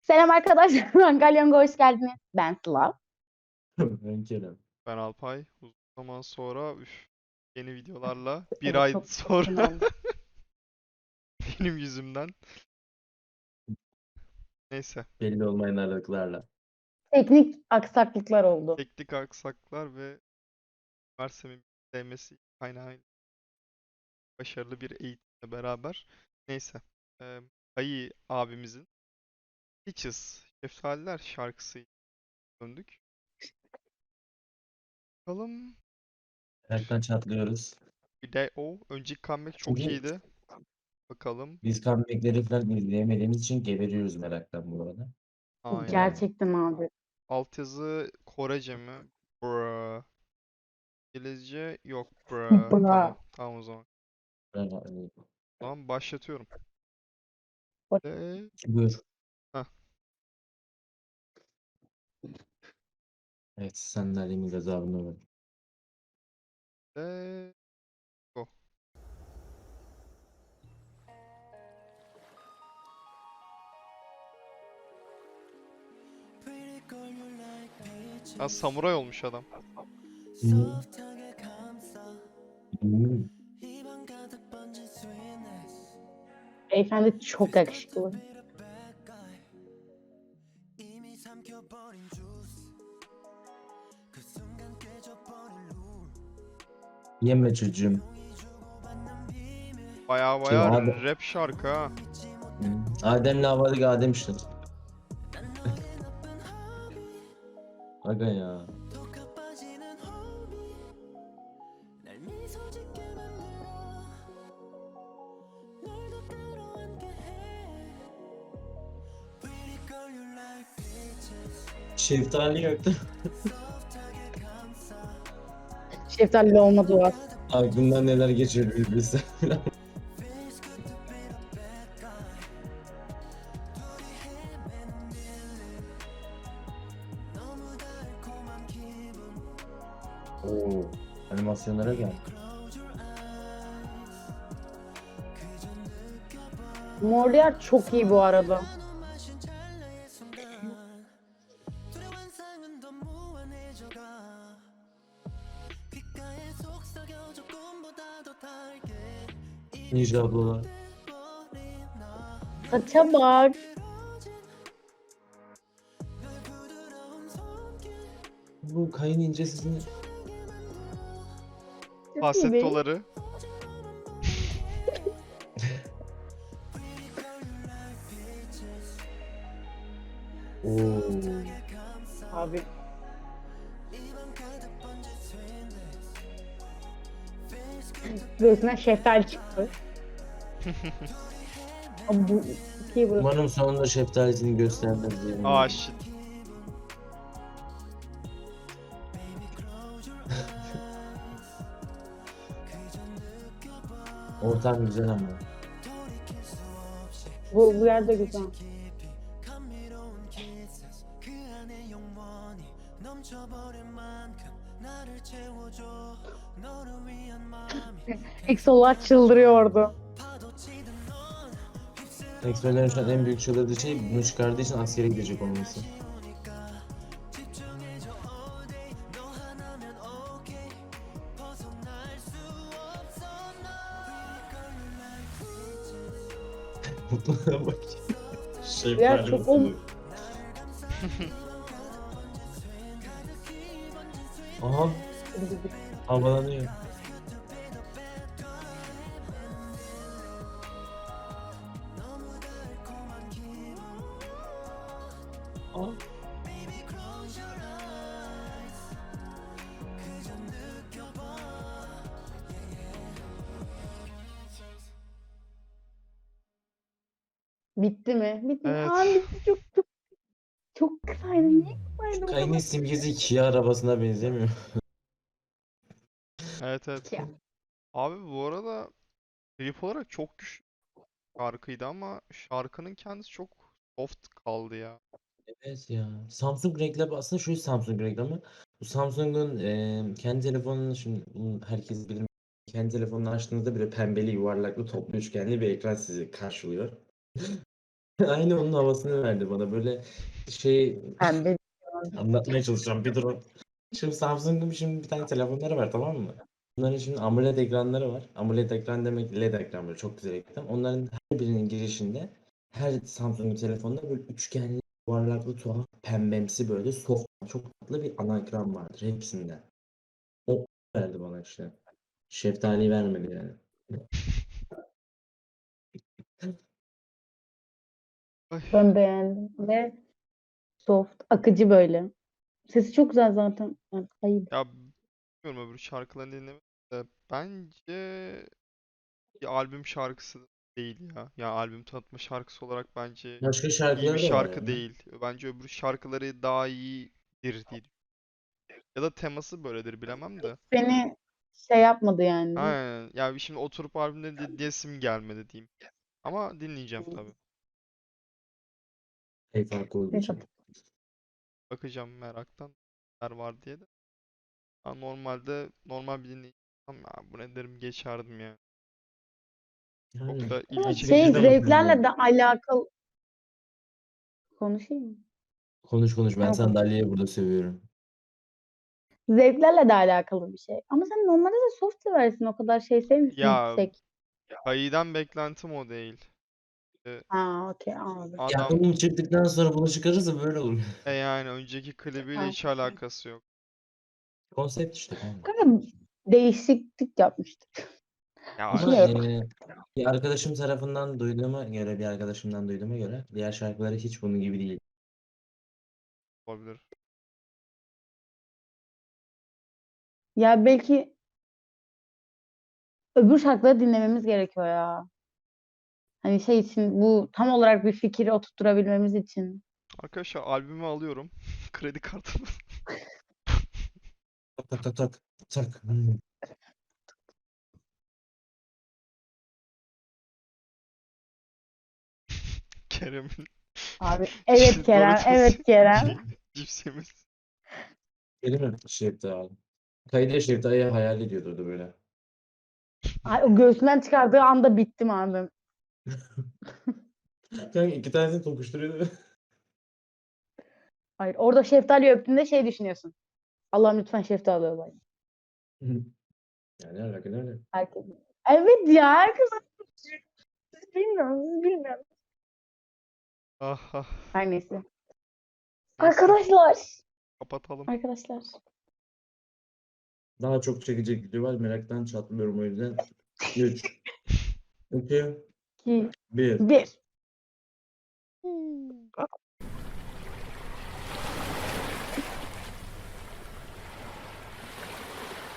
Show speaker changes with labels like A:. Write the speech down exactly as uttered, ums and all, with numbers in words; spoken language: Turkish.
A: Selam arkadaşlar. Ben Galyonga hoş geldiniz. Ben Sıla.
B: Ben Kerem.
C: Ben Alpay. Uzun zaman sonra üf, yeni videolarla bir
A: Evet
C: ay
A: çok uzun
C: sonra
A: oldu.
C: benim yüzümden. Neyse.
B: Belli olmayan aralıklarla.
A: Teknik aksaklıklar oldu.
C: Teknik aksaklar ve üniversitemin sevmesi kaynağıyla başarılı bir eğitimle beraber. Neyse. Eee Ayı abimizin Peaches Şeftaliler şarkısı döndük. Bakalım.
B: Meraktan çatlıyoruz.
C: Bir de o. Önceki comeback çok
B: Çünkü
C: iyiydi. Bakalım.
B: biz comeback'leri falan izleyemediğimiz için geberiyoruz meraktan bu arada.
C: Aynen.
B: Yani,
A: Gerçekten abi.
C: Altyazı Korece mi? Bruh. İngilizce yok. Bruh. Tamam.
A: Bra.
C: Tamam o zaman.
B: yani,
C: Tamam başlatıyorum. Ve...
B: buyur.
C: Heh.
B: Evet, sandalyemin gazabını ver.
C: Ve... Go. Ha, samuray olmuş adam.
B: Hmm. Hmm.
A: Beyefendi çok yakışıklı.
B: Yeme çocuğum.
C: Baya
B: Şey,
C: baya
B: Adem,
C: rap şarkı ha.
B: hmm. Adem'le Havvadık Adem işte. Aga ya. Şeftali yaktı.
A: Şeftali olma duası.
B: Aklımdan neler geçiyor bir bilsen. Oo, animasyonlara gel.
A: Molière çok iyi bu arada.
B: Ninja ablalar.
A: Saça bak.
B: Bu kayın incesini.
A: Çok iyi değil.
C: Falsettoları.
B: Oo.
A: Abi. Göğsünden şeftali çıktı. Abi bu çok iyi burası.
B: Umarım sonunda şeftalisini göstermez diye
C: Aa
B: umuyorum.
C: shit.
B: Ortam güzel ama.
A: Bu, bu yerde güzel. Exolar çıldırıyordu.
B: Exo'ların şu an en büyük çıldırdığı şey bunu çıkardığı için askere gidecek olması. Mutluluğa bak.
A: Ya
B: Şeftali
A: çok ol...
B: mutluluğu. Aha, havalanıyor. Aa.
A: Bitti mi? Bitti mi? Aa
C: Evet.
A: bitti. Çok çok çok kısaydı. Niye
B: Şu
A: kısaydı bu
B: kayının
A: kadar?
B: simgesi Kia arabasına benzemiyor.
C: Evet evet.
A: Ya.
C: Abi bu arada klip olarak çok güçlü şarkıydı ama şarkının kendisi çok soft kaldı ya.
B: Evet ya. Samsung reklamı aslında şu Samsung reklamı. Bu Samsung'un e, kendi telefonunu şimdi bunu herkes bilir. Kendi telefonunu açtığınızda böyle pembeli yuvarlaklı toplu üçgenli bir ekran sizi karşılıyor. Aynı onun havasını verdi bana. Böyle şey
A: Pembe.
B: anlatmaya çalışacağım bir durun. Şimdi Samsung'un şimdi bir tane telefonları var, tamam mı? Bunların şimdi AMOLED ekranları var. AMOLED ekran demek L E D ekran, böyle çok güzel ekran. Onların her birinin girişinde her Samsung telefonda böyle üçgenli, yuvarlaklı, tuhaf, pembemsi, böyle soft, çok tatlı bir ana ekran vardır hepsinde. O verdi bana işte. Şeftali vermedi yani.
C: Ay,
A: Ben beğendim. Ve soft, akıcı böyle. Sesi çok güzel zaten. Yani, ayıp.
C: ya bilmiyorum öbür şarkılarını dinlemedim de bence bir albüm şarkısı değil ya. Ya albüm tanıtma şarkısı olarak bence
B: Başka
C: iyi bir
B: şarkıları da var
C: şarkı
B: yani.
C: değil. Bence öbür şarkıları daha iyidir diye düşünüyorum. Ya da teması böyledir bilemem de.
A: Beni şey yapmadı yani.
C: Aynen. Ya şimdi oturup albümleri dinleyesim gelmedi diyeyim. Ama dinleyeceğim tabii.
B: Şey farkı olduğu
A: Neyse.
B: için.
C: Bakacağım meraktan neler var diye de. Ha, normalde normal bir dinleyicim. Ya bu ne derim geçerdim ya. Çok
B: Yani
C: da ilgi
A: Ama
C: çekici
A: şey
B: fikirde
C: değil.
A: zevklerle
B: bakıyorum.
A: de alakalı konuşayım mı?
B: Konuş konuş, ben
A: Hemen konuş.
B: sandalyeyi burada seviyorum.
A: Zevklerle de alakalı bir şey. Ama sen normalde de soft seversin. O kadar şey sevmiyorsun
C: Ya
A: yüksek.
C: Kayı'dan beklentim o değil. Ee,
A: Ha, okey, anladım.
B: Ya
C: Adam
B: bunu çıktıktan sonra bunu çıkarırsa böyle olur.
C: e yani önceki klibiyle
A: Ha.
C: hiç alakası yok.
B: Konsept işte kanka.
A: Kanka değişiklik yapmıştık.
C: Ya
B: Ama
A: Düşünüyorum.
B: eee, bir arkadaşım tarafından duyduğuma göre, bir arkadaşımdan duyduğuma göre diğer şarkıları hiç bunun gibi değil.
C: olabilir.
A: Ya belki öbür şarkıları dinlememiz gerekiyor ya. Hani şey için, bu tam olarak bir fikri oturtturabilmemiz için.
C: Arkadaşlar albümü alıyorum. Kredi kartımı.
B: Tak tak tak tak tak. Hmm.
C: Kerem'in
A: Abi evet Kerem,
C: Doritos
A: evet Kerem.
C: şey, cips yemesi.
B: Benim mi Şeftali? Kayıda Şeftali'yi hayal ediyordu orada böyle.
A: Ay, o göğsünden çıkardığı anda bittim abi.
B: Kanka iki tanesini tokuşturuyordu.
A: Hayır, orada şeftali öptüğünde şey düşünüyorsun. Allah'ım lütfen şeftali olayım.
B: Yani ne alaka, ne alaka?
A: Herkes. Evet ya, herkes siz bilmiyorum, siz bilmiyorum.
C: Ah ah.
A: Her neyse.
C: Neyse
A: Arkadaşlar.
C: kapatalım.
A: Arkadaşlar.
B: Daha çok çekecek video var, meraktan çatlıyorum o yüzden. üç, iki,
A: iki,
B: bir.
A: bir.